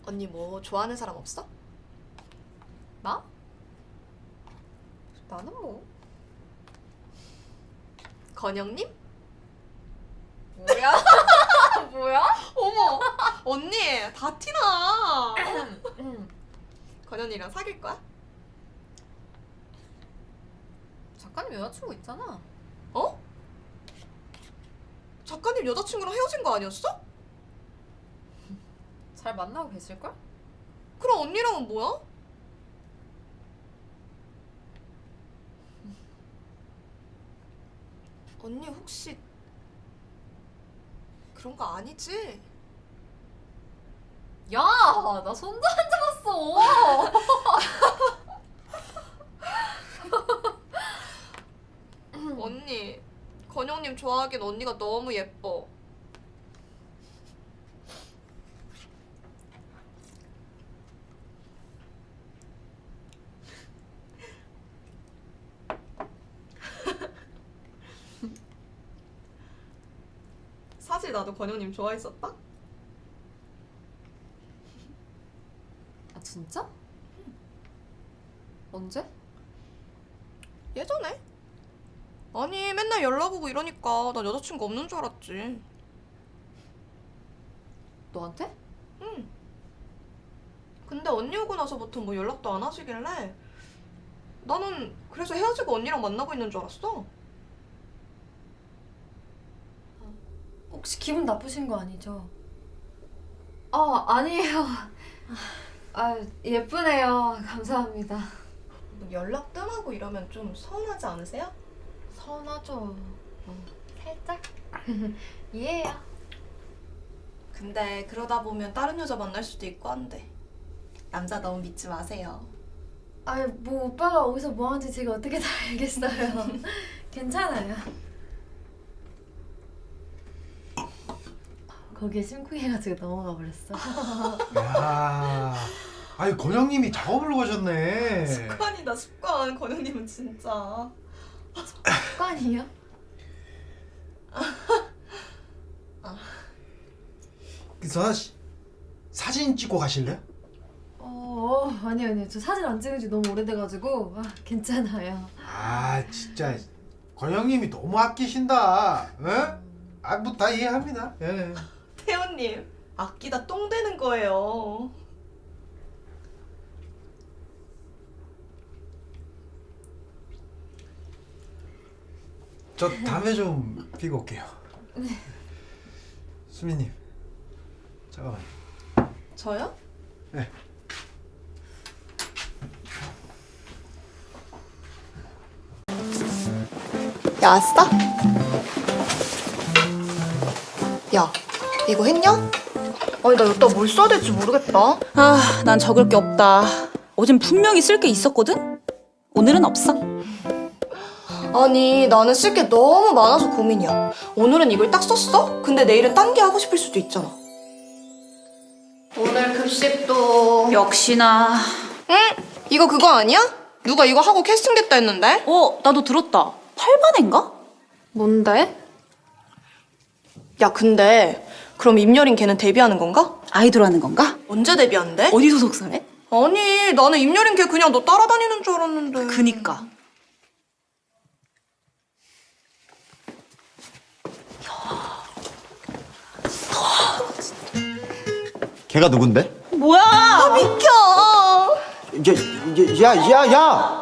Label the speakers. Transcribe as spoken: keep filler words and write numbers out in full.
Speaker 1: 언니 뭐 좋아하는 사람 없어?
Speaker 2: 나? 나는 뭐
Speaker 1: 건영님?
Speaker 2: 뭐야? 뭐야?
Speaker 1: 어머 언니 다 티나. 건영이랑 사귈 거야?
Speaker 2: 작가님 여자친구 있잖아.
Speaker 1: 어? 작가님 여자친구랑 헤어진 거 아니었어?
Speaker 2: 잘 만나고 계실걸?
Speaker 1: 그럼 언니랑은 뭐야? 언니 혹시 그런 거 아니지?
Speaker 2: 야! 나 손도 안 잡았어!
Speaker 1: 언니 건영님 좋아하긴 언니가 너무 예뻐. 사실 나도 건영님 좋아했었다?
Speaker 2: 아 진짜? 언제?
Speaker 1: 예전에? 아니 맨날 연락 오고 이러니까 난 여자친구 없는 줄 알았지.
Speaker 2: 너한테?
Speaker 1: 응. 근데 언니 오고 나서부터 뭐 연락도 안 하시길래 나는 그래서 헤어지고 언니랑 만나고 있는 줄 알았어.
Speaker 3: 혹시 기분 나쁘신 거 아니죠? 아, 아니에요. 아, 예쁘네요. 감사합니다.
Speaker 1: 뭐 연락 뜸하고 이러면 좀 서운하지 않으세요?
Speaker 3: 서운하죠. 어, 살짝. 이해해요.
Speaker 1: 근데 그러다 보면 다른 여자 만날 수도 있고 한데 남자 너무 믿지 마세요.
Speaker 3: 아, 뭐 오빠가 어디서 뭐 하는지 제가 어떻게 다 알겠어요. 괜찮아요. 거기에 심쿵해가지고 넘어가 버렸어.
Speaker 4: 야, 아니 건영님이 작업을 가셨네.
Speaker 1: 습관이다 습관. 건영님은 진짜.
Speaker 3: 습관이요?
Speaker 4: 그래서 사진 찍고 가실래요?
Speaker 3: 어, 어, 아니요, 아니요. 저 사진 안 찍은 지 너무 오래돼가지고 아, 괜찮아요.
Speaker 4: 아 진짜 건영님이 너무 아끼신다. 어? 아뭐 다 이해합니다. 예.
Speaker 1: 태연님 아끼다 똥 되는 거예요.
Speaker 4: 저 담배 좀 피고 올게요. 네. 수민님 잠깐만.
Speaker 1: 저요?
Speaker 4: 네.
Speaker 1: 야 아싸? 야 이거 했냐? 아니 나 여기다 뭘 써야 될지 모르겠다.
Speaker 5: 아, 난 적을 게 없다. 어젠 분명히 쓸 게 있었거든? 오늘은 없어.
Speaker 1: 아니 나는 쓸 게 너무 많아서 고민이야. 오늘은 이걸 딱 썼어? 근데 내일은 딴 게 하고 싶을 수도 있잖아. 오늘 급식도
Speaker 5: 역시나.
Speaker 1: 응? 이거 그거 아니야? 누가 이거 하고 캐스팅됐다 했는데?
Speaker 5: 어, 나도 들었다. 팔 반인가?
Speaker 3: 뭔데?
Speaker 1: 야 근데 그럼 임여린 걔는 데뷔하는 건가?
Speaker 5: 아이돌 하는 건가?
Speaker 1: 언제 데뷔한대?
Speaker 5: 어디 소속사래?
Speaker 1: 아니 나는 임여린 걔 그냥 너 따라다니는 줄 알았는데.
Speaker 5: 그니까.
Speaker 6: 걔가 누군데?
Speaker 5: 뭐야?
Speaker 1: 비켜!
Speaker 6: 야, 야, 야, 야!